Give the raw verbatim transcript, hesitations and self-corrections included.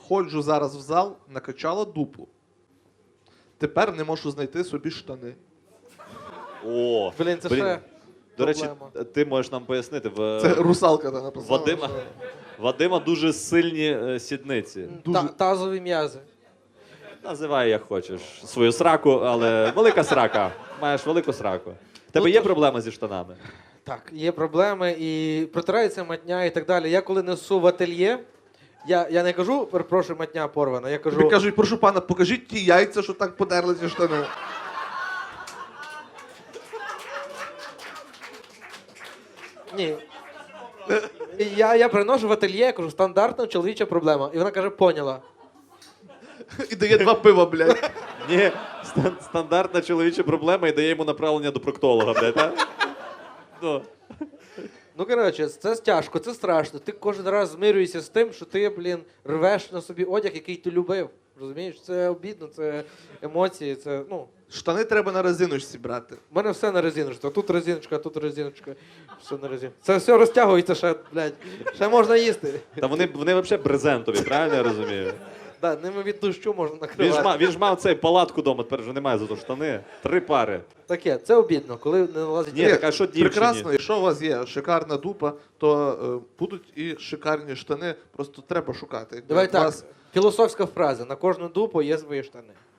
ходжу зараз в зал, накачала дупу. Тепер не можу знайти собі штани. О, Блін, це блін. ще До речі, проблема. ти можеш нам пояснити. В... Це русалка та написала. Вадима, Вадима дуже сильні е, сідниці. Дуже- Та- тазові м'язи. Називай як хочеш свою сраку, але велика срака. Маєш велику сраку. В тебе Ну, є то- проблема зі штанами? Так, є проблеми і протирається матня і так далі. Я коли несу в ательє, я, я не кажу, перепрошую, матня порвана, я кажу, Тобі кажуть, прошу пана, покажіть ті яйця, що так подерли ці штани. ні. І Я, я приношу в ательє, я кажу, стандартна чоловіча проблема. І вона каже, поняла. І дає два пива, блядь. Ні, стан- стандартна чоловіча проблема і дає йому направлення до проктолога, блядь, а? Ну. Ну, коротше, це тяжко, це страшно. Ти кожен раз змирюєшся з тим, що ти, блін, рвеш на собі одяг, який ти любив. Розумієш? Це обідно, це емоції, це, ну... Штани треба на резиночці брати. У мене все на резиночці. А тут резиночка, а тут резиночка. Все на резиночці. Це все розтягується ще, блядь. Ще можна їсти. Та вони, вони взагалі брезентові, правильно я розумію? Да, ними від дощу можна Він ж, накривати. мав, він ж мав цей палатку вдома, тепер вже немає зато штани. Три пари. Таке, це обідно, коли не налазить. Ні, так а що дівчині? Прекрасно, якщо у вас є шикарна дупа, то е, будуть і шикарні штани, просто треба шукати. Давай У так, вас філософська фраза. На кожну дупу є свої штани.